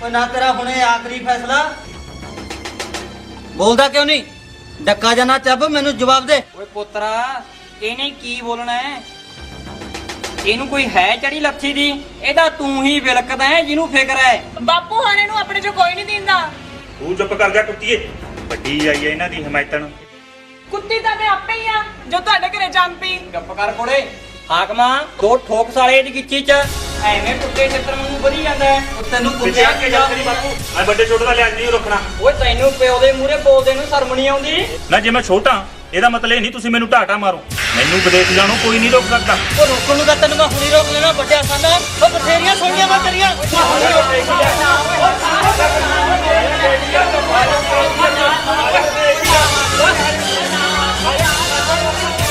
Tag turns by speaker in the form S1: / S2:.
S1: ਓਏ ਨਾ ਤੇਰਾ ਹੁਣੇ ਆਖਰੀ ਫੈਸਲਾ ਬੋਲਦਾ ਕਿਉਂ ਨਹੀਂ? ਡੱਕਾ ਜਾਣਾ ਚੱਬ ਮੈਨੂੰ ਜਵਾਬ ਦੇ।
S2: ਓਏ ਪੁੱਤਰਾ ਇਹਨੇ ਕੀ ਬੋਲਣਾ ਹੈ? ਇਹਨੂੰ ਕੋਈ ਹੈ ਚੜੀ ਲੱਥੀ ਦੀ? ਇਹਦਾ ਤੂੰ ਹੀ ਵਿਲਕਦਾ ਹੈ ਜਿਹਨੂੰ ਫਿਕਰ ਹੈ।
S3: ਬਾਪੂ ਹਾਣੇ ਨੂੰ ਆਪਣੇ ਚੋਂ ਕੋਈ ਨਹੀਂ ਦਿੰਦਾ।
S4: ਤੂੰ ਚੁੱਪ ਕਰ ਜਾ ਕੁੱਤੀਏ, ਵੱਡੀ ਆਈ ਹੈ ਇਹਨਾਂ ਦੀ ਹਮਾਇਤਣ।
S3: ਕੁੱਤੀ ਤਾਂ ਮੈਂ ਆਪੇ ਹੀ ਆ ਜੋ ਤੁਹਾਡੇ ਘਰੇ ਜੰਮ ਪਈ।
S2: ਚੁੱਪ ਕਰ ਕੋਲੇ ਹਾਕਮਾ, ਦੋ ਠੋਕ ਸਾਲੇ ਦੀ ਗਿੱਚੀ ਚ ਐਵੇਂ ਕੁੱਤੇ ਚਿੱਤਰ ਨੂੰ ਵਧੀ ਜਾਂਦਾ ਹੈ।
S1: ਉਹ ਤੈਨੂੰ
S4: ਪਿੱਛੇ
S1: ਕੁੱਤਿਆ
S4: ਆ ਕੇ ਜਾ ਤੇਰੀ ਬਾਪੂ, ਮੈਂ ਵੱਡੇ ਛੋਟੇ ਦਾ ਲਿਹਾਜ਼ ਨਹੀਂ ਰੱਖਣਾ।
S2: ਓਏ ਤੈਨੂੰ ਪਿਓ ਦੇ ਮੂਹਰੇ ਬੋਲਦੇ ਨੂੰ ਸ਼ਰਮ ਨਹੀਂ ਆਉਂਦੀ?
S4: ਨਾ ਜੇ ਮੈਂ ਛੋਟਾ ਇਹਦਾ ਮਤਲਬ ਇਹ ਨਹੀਂ ਤੁਸੀਂ ਮੈਨੂੰ ਢਾਟਾ ਮਾਰੋ। ਮੈਨੂੰ ਵਿਦੇਸ਼ ਜਾਣੋਂ ਕੋਈ ਨਹੀਂ ਰੋਕ ਸਕਦਾ।
S1: ਉਹ ਰੋਕਣ ਨੂੰ ਤਾਂ ਤੈਨੂੰ ਮੈਂ ਹੁਣੀ ਰੋਕ ਲੈਣਾ ਵੱਡਿਆ ਸਾਨਾ। ਉਹ ਬਥੇਰੀਆਂ ਸੋਹਣੀਆਂ ਮੈਂ ਤੇਰੀਆਂ।
S2: ਓਏ